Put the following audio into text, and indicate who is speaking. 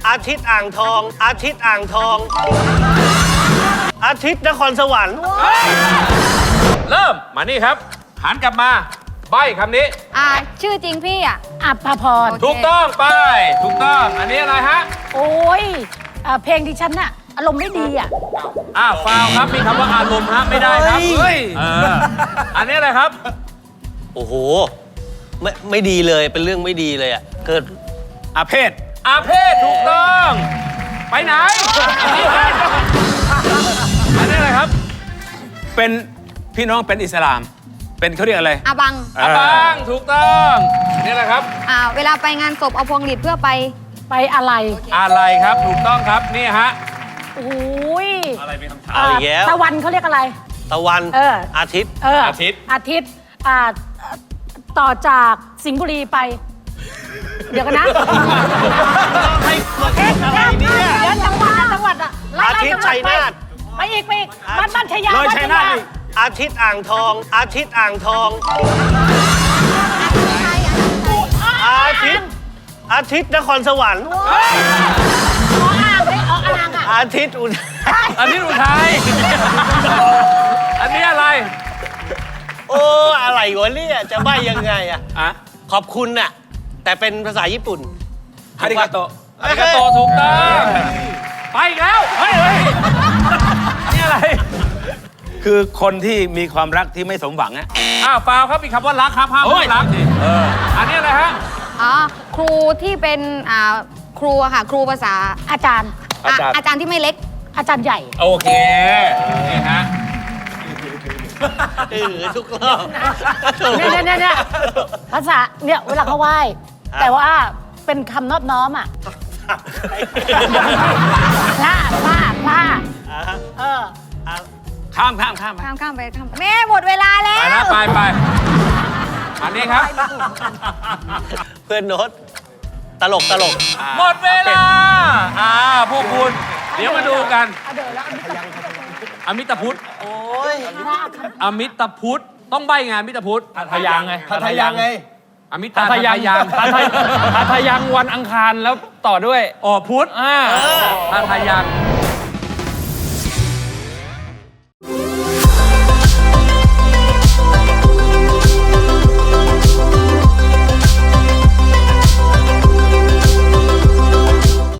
Speaker 1: อาทิตย์อ่างทอง อาทิตย์อ่างทอง อาทิตย์นครสวรรค์
Speaker 2: เริ่มมานี่ครับหันกลับมาใบคำนี้
Speaker 3: ชื่อจริงพี่อ่ะ
Speaker 4: อัปภพร
Speaker 2: ถูกต้องไปถูกต้องอันนี้อะไรฮะ
Speaker 4: โอ้ยเพลงที่ฉันน่ะอารมณ์ไม่ดีอ่ะ
Speaker 2: ฟาวครับมีคำว่าอารมณ์ฮะไม่ได้ครับเฮ้ยอันนี้อะไรครับ
Speaker 1: โอ้โห ไม่ดีเลยเป็นเรื่องไม่ดีเลยอ่ะเกิด
Speaker 5: อาเพศ
Speaker 2: อาเพศถูกต้องไปไหนอันนี้อะไรครับ
Speaker 5: เป็นพี่น้องเป็นอิสลาม เป็นเขาเรียกอะไร
Speaker 3: อาบัง
Speaker 2: อาบังถูกต้องนี่แหละครับ
Speaker 3: เวลาไปงานศพเอาพวงหลีดเพื่อไป
Speaker 4: ไปอะไร
Speaker 2: อะไรครับถูกต้องครับนี่ฮะ
Speaker 4: โอ้ย
Speaker 5: อะไรเป็นคำถาม
Speaker 1: เอาอีกแล้ว
Speaker 4: ตะวันเขาเรียกอะไร
Speaker 1: ตะวัน อาทิตย์
Speaker 2: อาทิตย์
Speaker 4: อาทิตย์ต่อจากสิงห์บุรีไป เดี๋ยวกันนะ
Speaker 1: ให้อะไรเนี่ย
Speaker 4: เดี๋ยวจังหวัดอ่ะไล่
Speaker 1: อาทิตย์ชัยนาท
Speaker 4: ไปอีกบ้านชัยยา
Speaker 5: เลยชัยนาทอีก
Speaker 1: อาทิตย์อ่างทอง อาทิตย์อ่างทอง อาทิตย์ อาทิตย์นครสวรรค์ อาทิตย์อุทัย
Speaker 2: อันนี้อุทัยอันนี้อะไร
Speaker 1: โอ้อะไรวะเนี่ยจะใบ้ยังไงอ่ะ
Speaker 5: อ่ะ
Speaker 1: ขอบคุณน่ะแต่เป็นภาษาญี่ปุ่น
Speaker 5: ฮาริกาโต
Speaker 2: อาริกาโตถูกต้องไปอีกแล้วเฮ้ยนี่อะไร
Speaker 5: คือคนที่มีความรักที่ไม่สมหวังอะ
Speaker 2: ฟาวครับมีคำว่ารักครับห้ามพูดรักอันนี้อะไรฮะ
Speaker 3: ครูที่เป็นครูอะค่ะ ครูภาษา
Speaker 4: อาจารย์
Speaker 3: อาจารย์ที่ไม่เล็ก
Speaker 4: อาจารย์ใหญ่
Speaker 2: โอเคนี่ฮะ
Speaker 1: ทุกรอบ
Speaker 4: เนี่ยภาษาเนี่ยเวลาเขาไหว้ แต่ว่าเป็นคำนอบน้อมอ่ะพลา
Speaker 5: ข้าม
Speaker 3: ข้ามไปแม่หมดเวลาแล้
Speaker 2: ไป
Speaker 3: ว
Speaker 2: นะไปอันนี้ครับ
Speaker 1: เพื่อนโน้ตตลก
Speaker 2: หมดเวลาพวกคุณเดี๋ยวมาดูกันอมิตพุทธ
Speaker 1: โอ้ย
Speaker 2: อมิตพุทธต้องใบงานอมิตพุทธ
Speaker 5: ทยังไง
Speaker 1: ทายังไง
Speaker 2: อมิตาทยัง
Speaker 6: ทาทายังวันอังคารแล้วต่อด้วย
Speaker 2: พุทธทาทายัง